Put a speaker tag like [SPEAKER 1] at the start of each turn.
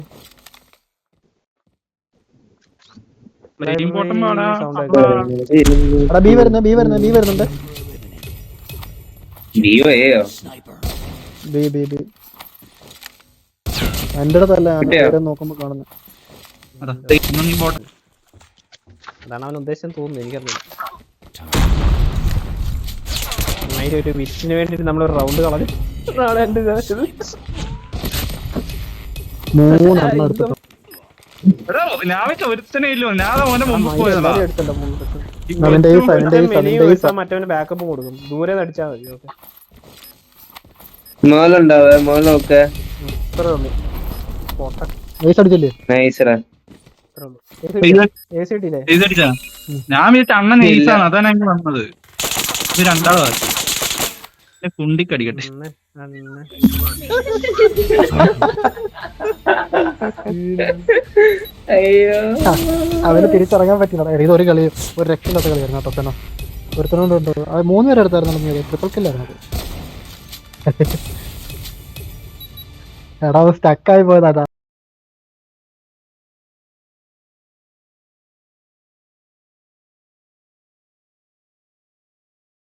[SPEAKER 1] B വരുന്നുണ്ട്. എന്റെ അടുത്തല്ല നോക്കുമ്പോ കാണുന്നത്.
[SPEAKER 2] അതാണ് അവൻ ഉദ്ദേശം തോന്നുന്നു, എനിക്കറിയില്ല. ഒരു വിറ്റിന് വേണ്ടിട്ട് നമ്മളൊരു റൗണ്ട് കളഞ്ഞു. മറ്റവന് ബാക്കപ്പ് കൊടുക്കും, ദൂരെ അടിച്ചാൽ മതി. ഓക്കെ
[SPEAKER 3] ഞാൻ വിചാരിച്ച അണ്ണൻ നൈസാണ്, അതാണ് ഞങ്ങൾ വന്നത്. ഇത് രണ്ടാളും ആക്കി കുണ്ടിക്കടിക്കട്ടെ.
[SPEAKER 1] അവന് തിരിച്ചിറങ്ങാൻ പറ്റില്ല. ഇതൊരു കളി, ഒരു രക്ഷയില്ലാത്ത കളിയായിരുന്നു കേട്ടോ. പിന്നെ ഒരുത്തനോണ്ടുണ്ടോ 3 പേരെ എടുത്തായിരുന്നു, ട്രിപ്പിൾ കില്ലായിരുന്നു. എടാ സ്റ്റക്കായി പോയതാ.